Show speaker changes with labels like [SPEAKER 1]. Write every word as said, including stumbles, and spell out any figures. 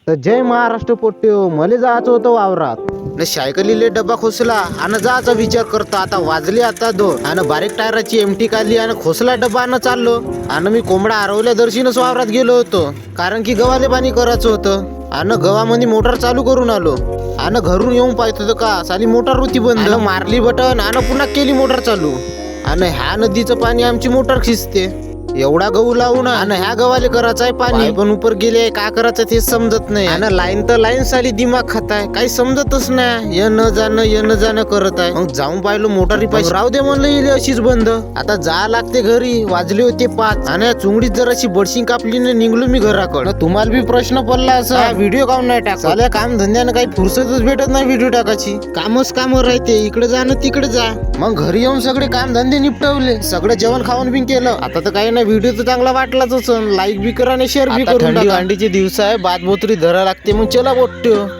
[SPEAKER 1] तर जय महाराष्ट्र पोट्यो, मले जायचं होतं वावरात न सायकलीले डब्बा खोसला आणि जायचा विचार करता. आता वाजले आता दोन आणि बारीक टायराची एमटी काढली आणि खोसला डब्बा आणि चाललो. आणि मी कोंबडा हरवल्या दर्शीनच वावरात गेलो होतो, कारण की गव्हाले पाणी करायचं होतं. आणि गव्हामध्ये मोटर चालू करून आलो आणि घरून येऊन पाहत होतं का साली मोटर होती बंद. मारली बटन आणि पुन्हा केली मोटर चालू. आणि ह्या नदीचं पाणी आमची मोटर खिचते. एवढा गहू लावून आणि ह्या गव्हाले करायचं आहे पाणी, पण उपर गेले काय करायचं ते समजत नाही. आणि लाईन तर लाईन साली दिमाग खाताय, काही समजतच नाही. ये न जाणं ये न जाणं करत आहे. मग जाऊन पाहिलं मोटारी पाहिजे, राहू दे म्हणलं येईल अशीच बंद. आता जा लागते घरी, वाजले होते पाच आणि चुंगडीत जर अशी बडशी कापली न निघलो मी घराकडे. तुम्हाला बी प्रश्न पडला असा व्हिडिओ काऊन नाही टाकला. काम धंद्यानं काही फुरसतच भेटत नाही व्हिडिओ टाकायची. कामच काम राहते, इकडे जा न तिकडे जा. मग घरी येऊन सगळे काम धंदे निपटवले, सगळं जेवण खाऊन बी केलं. आता तर काही नाही, व्हिडिओ तर चांगला वाटलाच. लाईक बी करा आणि शेअर बी करा. थंडी वांडीचे दिवस आहे, बात बोतरी धरा लागते. मग चला बोट्यो.